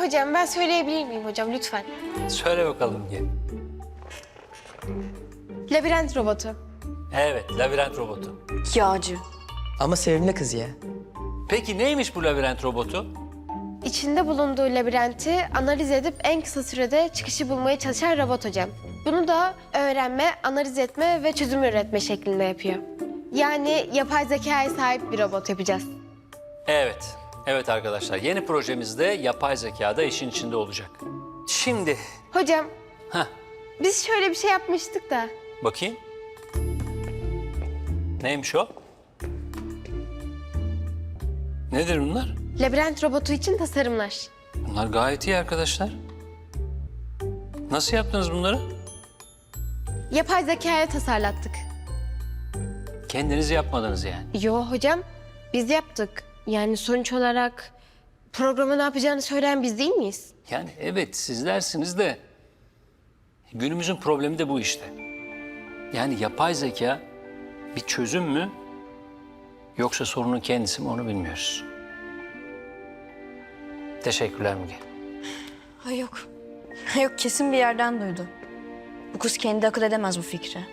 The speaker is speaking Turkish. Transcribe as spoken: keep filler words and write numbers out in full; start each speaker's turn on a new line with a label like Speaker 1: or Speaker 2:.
Speaker 1: hocam ben söyleyebilir miyim hocam lütfen?
Speaker 2: Söyle bakalım Müge.
Speaker 1: Labirent robotu.
Speaker 2: Evet, labirent robotu.
Speaker 3: Yağcı.
Speaker 4: Ama sevimli kız ya.
Speaker 2: Peki neymiş bu labirent robotu?
Speaker 1: İçinde bulunduğu labirenti analiz edip en kısa sürede çıkışı bulmaya çalışan robot hocam. Bunu da öğrenme, analiz etme ve çözüm üretme şeklinde yapıyor. Yani yapay zekaya sahip bir robot yapacağız.
Speaker 2: Evet, evet arkadaşlar. Yeni projemizde yapay zeka da işin içinde olacak. Şimdi,
Speaker 1: Hocam
Speaker 2: heh,
Speaker 1: biz şöyle bir şey yapmıştık da.
Speaker 2: bakayım. Neymiş o? Nedir bunlar?
Speaker 1: Labirent robotu için tasarımlar.
Speaker 2: Bunlar gayet iyi arkadaşlar. Nasıl yaptınız bunları?
Speaker 1: Yapay zekaya tasarlattık.
Speaker 2: Kendiniz yapmadınız yani.
Speaker 1: Yo hocam biz yaptık. Yani sonuç olarak programı ne yapacağını söyleyen biz değil miyiz?
Speaker 2: Yani evet sizlersiniz de günümüzün problemi de bu işte. Yani yapay zeka bir çözüm mü yoksa sorunun kendisi mi onu bilmiyoruz. Teşekkürler Müge.
Speaker 3: Ha yok. Ha yok kesin bir yerden duydu. Bu kız kendi akıl edemez bu fikri.